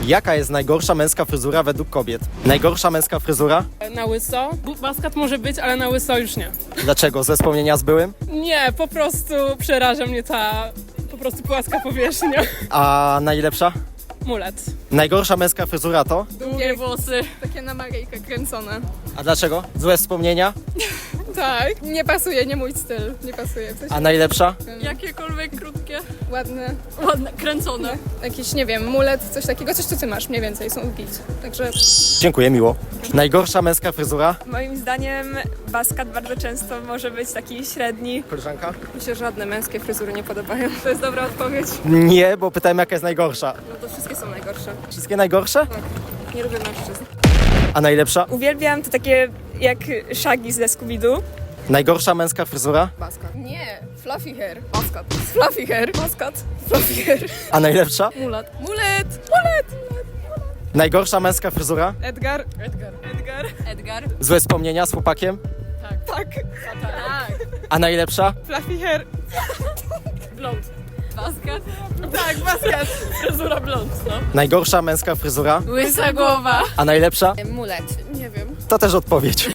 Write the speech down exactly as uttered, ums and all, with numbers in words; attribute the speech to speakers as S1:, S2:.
S1: Jaka jest najgorsza męska fryzura według kobiet? Najgorsza męska fryzura?
S2: Na łyso. Bu- Baskat może być, ale na łyso już nie.
S1: Dlaczego? Ze wspomnienia z byłym?
S2: Nie, po prostu przeraża mnie ta po prostu płaska powierzchnia.
S1: A najlepsza?
S2: Mulet.
S1: Najgorsza męska fryzura to?
S2: Długie włosy.
S3: Takie na Maryjkę kręcone.
S1: A dlaczego? Złe wspomnienia?
S3: Tak, nie pasuje, nie mój styl, nie pasuje. Coś
S1: A najlepsza?
S2: Jakiekolwiek krótkie.
S3: ładne,
S2: Ładne, kręcone.
S3: jakiś, nie wiem, mulet, coś takiego, coś co ty masz mniej więcej, są git. Także
S1: Dziękuję, miło. Najgorsza męska fryzura?
S4: Moim zdaniem baskat bardzo często może być taki średni.
S1: Koleżanka?
S3: mi się żadne męskie fryzury nie podobają. To jest dobra odpowiedź.
S1: Nie, bo pytałem, jaka jest najgorsza.
S3: No to wszystkie są najgorsze.
S1: Wszystkie najgorsze?
S3: Nie lubię mężczyzn.
S1: A najlepsza?
S4: Uwielbiam to takie jak Shaggy ze Scooby-Doo.
S1: Najgorsza męska fryzura?
S3: Baskat. Nie, fluffy hair. Baskat. Fluffy hair. Baskat. Fluffy hair.
S1: A najlepsza?
S3: Mulet. Mulet. Mulet.
S1: Najgorsza męska fryzura?
S3: Edgar.
S2: Edgar.
S4: Edgar.
S3: Edgar.
S1: Złe wspomnienia z chłopakiem?
S3: Tak. Tak.
S1: A najlepsza?
S3: Fluffy hair.
S2: Blond.
S3: Baskat.
S2: Tak, baskat. Fryzura blond, no.
S1: Najgorsza męska fryzura?
S2: Łysa głowa.
S1: A najlepsza?
S3: Mulet. Nie wiem.
S1: To też odpowiedź.